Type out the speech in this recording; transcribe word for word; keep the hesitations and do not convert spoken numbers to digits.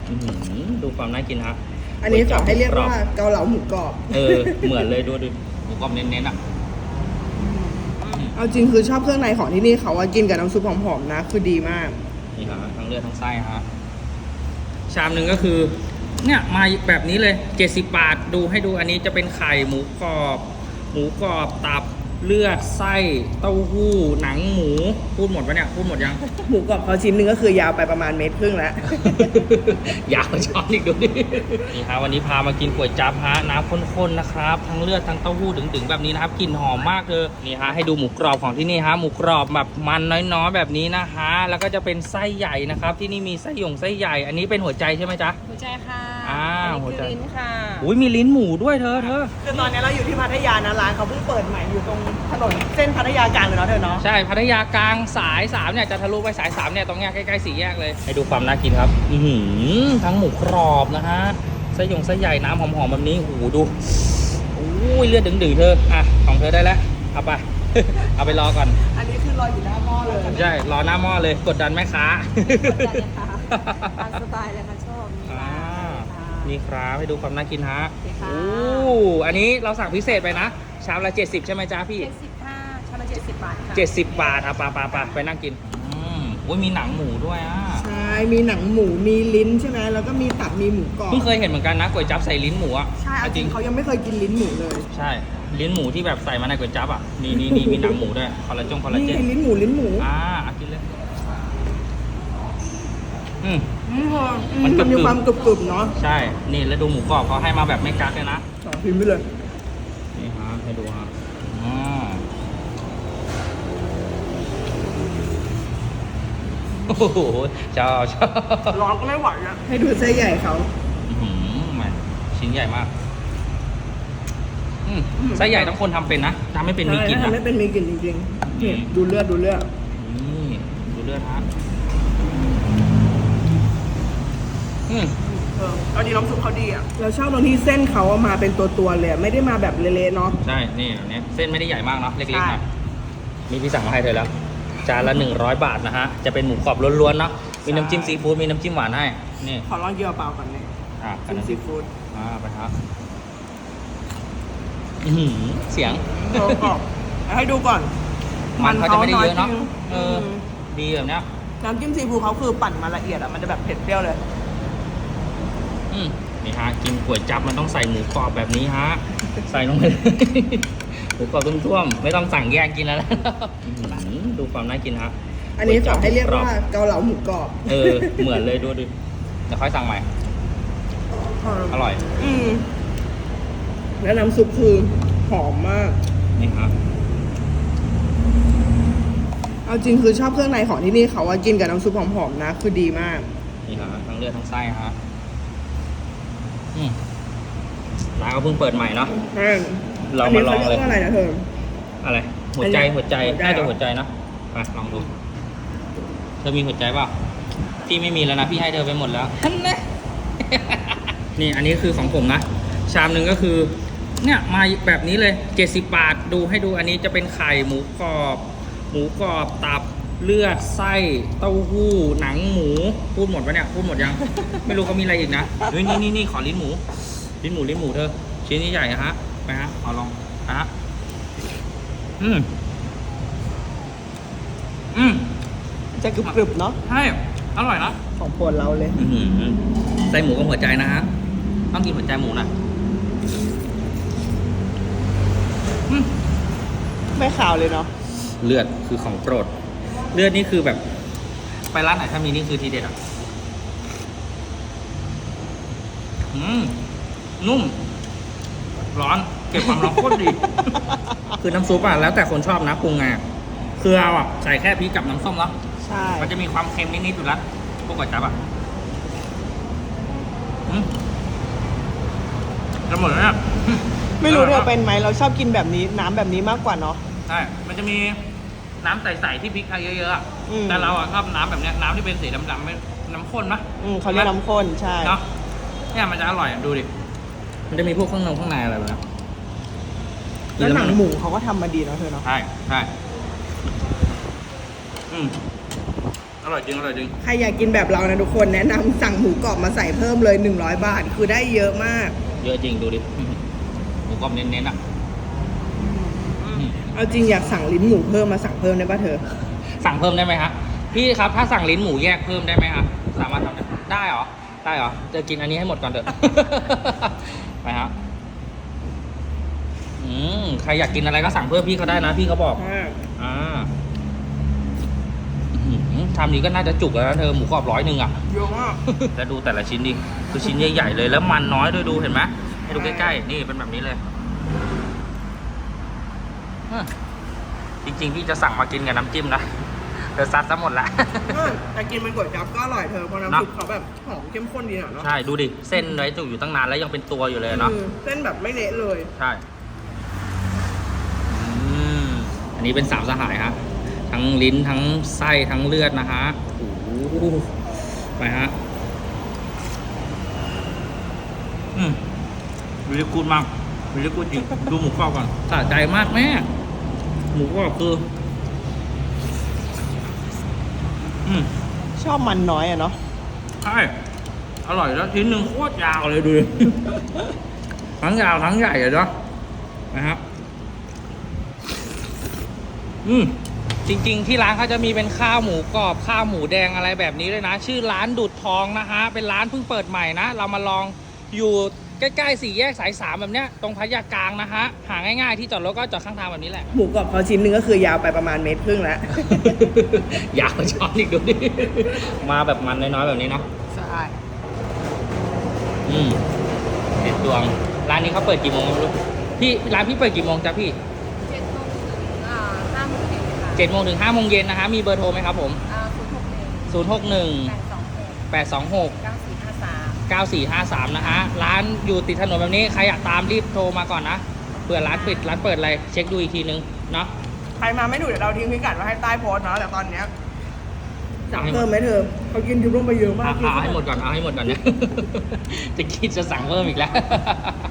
ดูความน่ากินฮะอันนี้ขอให้เรียกว่าเกาเหลาหมูกรอบเออเหมือนเลยดูดูหมูกรอบเน้นๆอ่ะเอาจริงคือชอบเครื่องในของที่นี่เขาว่ากินกับน้ำซุปหอมๆนะคือดีมากนี่ฮะทั้งเลือดทั้งไส้ฮะชามหนึ่งก็คือเนี่ยมาแบบนี้เลยเจ็ดสิบบาทดูให้ดูอันนี้จะเป็นไข่หมูกรอบหมูกรอบตับเลือดไส้เต้าหู้หนังหมูพูดหมดปะเนี่ยพูดหมดยังหมูกรอบเขาชิ้นหนึ่งก็คือยาวไปประมาณเมตรครึ่งแล้วยาวช้อนอีกดูดินี่ฮะวันนี้พามากินก๋วยจั๊บฮะน้ำข้นๆนะครับทั้งเลือดทั้งเต้าหู้ดึงๆแบบนี้นะครับกลิ่นหอมมากเลยนี่ฮะให้ดูหมูกรอบของที่นี่ฮะหมูกรอบแบบมันน้อยๆแบบนี้นะฮะแล้วก็จะเป็นไส้ใหญ่นะครับที่นี่มีไส้หยงไส้ใหญ่อันนี้เป็นหัวใจใช่ไหมจ๊ะหัวใจค่ะอ่าหัวใจลิ้นค่ะอุ้ยมีลิ้นหมูด้วยเธอเธอคือตอนนี้เราอยู่ที่พัทยานะร้านเขาเพิ่งเปิดใหม่อยู่ตรงถนนเส้นพัทยากลางเลยเนาะเธอเนาะใช่พัทยากลางสายสามเนี่ยจะทะลุไปสายสามเนี่ยตรงเนี้ยใกล้ๆสี่แยกเลยให้ดูความน่ากินครับอือหือทั้งหมูกรอบนะฮะไส้หยงไส้ใหญ่น้ำหอมๆแบบนี้โอ้โหดูอุ้ยเลือดดึงๆเธออ่ะของเธอได้แล้วเอาไป เอาไปรอก่อนอันนี้คือรออยู่หน้าหม้อเลยใช่รอหน้าหม้อเลยกดดันแม่ค้ากดดันเลยค่ะตามสไตล์เลยค่ะชอบนี่ครับให้ดูความน่ากินฮะโอ้อันนี้เราสั่งพิเศษไปนะชามละเจ็ดสิบใช่ไหมจ๊ะพี่เจ็ดสิบค่ะชามละเจ็ดสิบบาทค่ะเจ็ดสิบบาทอ่ะปาปาปาไปนั่งกินอืมโอ้ยมีหนังหมูด้วยอ่ะใช่มีหนังหมูมีลิ้นใช่ไหมแล้วก็มีตับมีหมูกรอบเพิ่งเคยเห็นเหมือนกันนะก๋วยจั๊บใส่ลิ้นหมูอ่ะใช่จริงเขายังไม่เคยกินลิ้นหมูเลยใช่ลิ้นหมูที่แบบใส่มาในก๋วยจั๊บอ่ะนี่นี่นี่มีหนังหมูด้วยคอลลาจงคอลลาเจนนี่ลิ้นหมูลิ้นหมูอ่ากินเลยอืมมันมีความกรุบๆเนาะใช่นี่แล้วดูหมูกรอบเขาให้มาแบบไม่กักเลยนะต่อพิมพ์ไปเลยนี่ฮะให้ดูฮะอ่าโอ้โหชอบชอบร้อนก็ไม่ไหวนะให้ดูไส้ใหญ่เขาอืมชิ้นใหญ่มากไส้ใหญ่ต้องคนทำเป็นนะทำไม่เป็นมีกลิ่นนะไม่เป็นมีกลิ่นจริงๆนี่ดูเลือดดูเลือดนี่ดูเลือดฮะอืมเออตอนนี้น้ำซุปเขาดีอ่ะเราชอบตรงที่เส้นเขามาเป็นตัวๆเลยไม่ได้มาแบบเละๆเนาะใช่นี่แบบนี้เส้นไม่ได้ใหญ่มากเนาะเล็กๆนะมีพี่สั่งมาให้เธอแล้วจานละหนึ่งร้อยบาทนะฮะจะเป็นหมูกรอบล้วนๆเนาะมีน้ำจิ้มซีฟู้ดมีน้ำจิ้มหวานให้นี่ขอลองเกี๊ยวเปล่าก่อนเลยอ่าจิ้มซีฟู้ดอ่าไปครับเสียงกรอบให้ดูก่อนมันเขาจะไม่ได้เยอะเนาะเออดีแบบเนี้ยน้ำจิ้มซีฟู้ดเขาคือปั่นมาละเอียดอ่ะมันจะแบบเผ็ดเปรี้ยวเลยอืมนี่ฮะกินก๋วยจั๊บมันต้องใส่หมูกรอบแบบนี้ฮะใส่ลงไปหมูกรอบท่วมๆไม่ต้องสั่งแยกกินแล้วนะดูความน่ากินฮะอันนี้ขอให้เรียกว่าเกาเหลาหมูกรอบเออเหมือนเลยดูดิเดี๋ยวค่อยสั่งใหม่อร่อยอืมแล้วน้ำซุปคือหอมมากนี่ครับเอาจริงคือชอบเครื่องในของที่นี่เขาว่ากินกับน้ำซุปหอมๆนะคือดีมากนี่ฮะทั้งเลือดทั้งไส้ฮะอืมร้านก็เพิ่งเปิดใหม่เนาะเรามาลองเลยอะไรนะเธออะไรหัวใจหัวใจน่าจะหัวใจนะไปลองดูเธอมีหัวใจเปล่าพี่ไม่มีแล้วนะพี่ให้เธอไปหมดแล้วนี่อันนี้คือของผมนะชามหนึ่งก็คือเนี่ยมาแบบนี้เลยเจ็ดสิบบาทดูให้ดูอันนี้จะเป็นไข่หมูกรอบหมูกรอบตับเลือดไส้เต้าหู้หนังหมูพูดหมดปะเนี่ยพูดหมดยัง ไม่รู้เขามีอะไรอีกนะนี่นี่นี่นี่ขอลิ้นหมูลิ้นหมูลิ้นหมูเธอชิ้นนี้ใหญ่ฮะไปฮะขอลองฮะอืมอืมจะกรึบๆเนาะใช่อร่อยนะของโปรดเราเลยใส่หมูกับหัวใจนะฮะต้องกินหัวใจหมูนะไม่ขาวเลยเนาะเลือดคือของโปรดเลือดนี่คือแบบไปร้านไหนถ้ามีนี่คือทีเด็ดอ่ะอืมนุ่มร้อนเก็บความร้อนโคตรดี คือน้ำซุปอ่ะแล้วแต่คนชอบนะปรุงไงคือเอาอ่ะใส่แค่พริกกับน้ำส้มแล้วใช่มันจะมีความเค็มนิดๆอยู่แล้วพวกก๋วยจั๊บอ่ะจะหมดแล้วเนี่ยไม่รู้เธอเป็นไหมเราชอบกินแบบนี้น้ำแบบนี้มากกว่าเนาะใช่มันจะมีน้ำใสๆที่พริกไทยเยอะๆแต่เราอ่ะชอบน้ำแบบนี้น้ำที่เป็นสีดำๆเป็นน้ำข้นนะอืมเขาเรียกน้ำข้นใช่เนาะเนี่ยมันจะอร่อยดูดิมันจะมีพวกข้างในข้างในอะไรแบบนี้แล้วหนังหมูเขาก็ทำมาดีเนาะเธอเนาะใช่ใช่อืมอร่อยจริงอร่อยจริงใครอยากกินแบบเรานะทุกคนแนะนำสั่งหมูกรอบมาใส่เพิ่มเลยหนึ่งร้อยบาท คือได้เยอะมากเยอะจริงดูดิหมูกรอบเน้นๆอ่ะเอาจริงอยากสั่งลิ้นหมูเพิ่มมาสั่งเพิ่มได้ป่ะเธอสั่งเพิ่มได้ไหมครับพี่ครับถ้าสั่งลิ้นหมูแยกเพิ่มได้ไหมครับสามารถทำได้ได้เหรอได้เหรอจะกินอันนี้ให้หมดก่อนเถอะ ไปครับอืมใครอยากกินอะไรก็สั่งเพิ่มพี่เขาได้นะพี่เขาบอกอ่าอื้อหือทำนี้ก็น่าจะจุกแล้วนะเธอหมูกรอบร้อยหนึ่งอ่ะเยอะมากแล้วดูแต่ละชิ้นดิคือชิ้นใหญ่ๆเลยแล้วมันน้อยด้วยดูเห็นไหมให้ดูใกล้ๆนี่เป็นแบบนี้เลยอ่ะจริงๆพี่จะสั่งมากินกับน้ำจิ้มนะแต่ซัดซะหมดละแต่กินเป็นก๋วยจั๊บก็อร่อยเธอเพราะน้ำซุปเขาแบบหอมเข้มข้นดีอะเนาะใช่ดูดิเส้นไว้จุกอยู่ตั้งนานแล้วยังเป็นตัวอยู่เลยเนาะอืมเส้นแบบไม่เละเลยใช่อืมอันนี้เป็นสามสหายฮะทั้งลิ้นทั้งไส้ทั้งเลือดนะฮะโอ้โหไปฮะอืมวิลิกูดมากวิลิกูดจริงดูหมูกรอบก่อนสะใจมากแม่หมูกรอบคืออืมชอบมันน้อยอะเนาะใช่อร่อยแล้วชิ้นหนึ่งโคตรยาวเลยดูดิ ทั้งยาวทั้งใหญ่เลยเนาะนะครับอืมจริงๆที่ร้านเขาจะมีเป็นข้าวหมูกรอบข้าวหมูแดงอะไรแบบนี้เลยนะ ชื่อร้านดูดทองนะฮะเป็นร้านเพิ่งเปิดใหม่นะเรามาลองอยู่ใกล้ๆสี่แยกสายสามแบบเนี้ยตรงพัทยากลางนะฮะหาง่ายๆที่จอดรถก็จอดข้างทางแบบนี้แหละหมูกรอบเขาชิ้นหนึ่งก็คือยาวไปประมาณเมตรครึ่งแล้วอยากช้อนอีกดูดิ มาแบบมันน้อยๆแบบนี้เนาะใช่อืมเด็ดดวง ร้านนี้เขาเปิดกี่โมงไม่รู้พี่ร้านพี่เปิดกี่โมงจ๊ะพี่เจ็ดโมงถึงอ่าห้าโมงเย็นค่ะเจ็ดโมงถึงห้าโมงเย็นนะฮะมีเบอร์โทรไหมครับผมอ่าศูนย์หกหนึ่งศูนย์หกหนึ่งแปดสองหกแปดสองหกเก้าสี่ห้าสามเก้าสี่ห้าสามนะฮะร้านอยู่ติดถนนแบบนี้ใครอยากตามรีบโทรมาก่อนนะเผื่อร้านปิดร้านเปิดอะไรเช็คดูอีกทีนึงเนาะใครมาไม่ถูกเดี๋ยวเราทิ้งพิกัดไว้ให้ใต้โพสต์เนาะแต่ตอนเนี้ยสั่งเพิ่มไหมเธอเขากินจุ่มลงไปเยอะมากเอาเอาให้หมดก่อนเอาให้หมดก่อนเนี่ย จะคิดจะสั่งเพิ่มอีกแล้ว